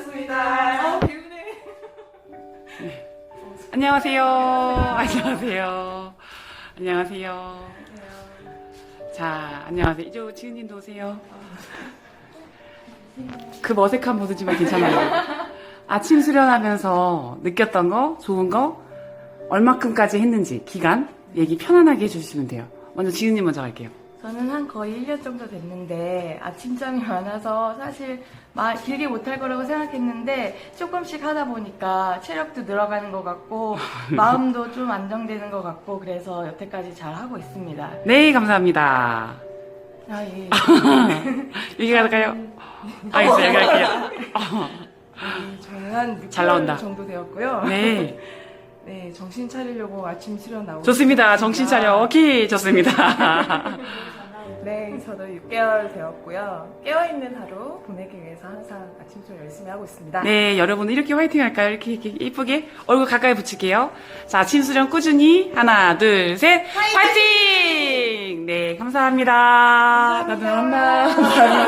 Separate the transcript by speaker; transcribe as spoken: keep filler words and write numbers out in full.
Speaker 1: 오셨습니다. 어, 개운해.
Speaker 2: 네. 안녕하세요. 안녕하세요. 안녕하세요. 자, 안녕하세요. 이제 지은님도 오세요. 그 어색한 모습이지만 괜찮아요. 아침 수련하면서 느꼈던 거, 좋은 거, 얼마큼까지 했는지, 기간, 얘기 편안하게 해주시면 돼요. 먼저 지은님 먼저 갈게요.
Speaker 1: 저는 한 거의 일 년 정도 됐는데 아침잠이 많아서 사실 마, 길게 못할 거라고 생각했는데 조금씩 하다 보니까 체력도 늘어가는 것 같고 마음도 좀 안정되는 것 같고 그래서 여태까지 잘 하고 있습니다.
Speaker 2: 네, 감사합니다.
Speaker 1: 아, 예.
Speaker 2: 여기 갈까요? 알겠어요, 여기 갈게요.
Speaker 1: 네, 저는 한
Speaker 2: 잘 나온다.
Speaker 1: 육 개월 정도 되었고요.
Speaker 2: 네.
Speaker 1: 네, 정신 차리려고 아침 수련 나오고
Speaker 2: 좋습니다. 정신 차려. 오케이. 좋습니다.
Speaker 1: 네, 저도 육 개월 되었고요. 깨어있는 하루 보내기 위해서 항상 아침 수련 열심히 하고 있습니다.
Speaker 2: 네, 여러분 이렇게 화이팅 할까요? 이렇게, 이렇게 예쁘게 얼굴 가까이 붙일게요. 자, 아침 수련 꾸준히 하나, 둘, 셋, 화이팅! 네, 감사합니다. 나도 한다. 감사합니다.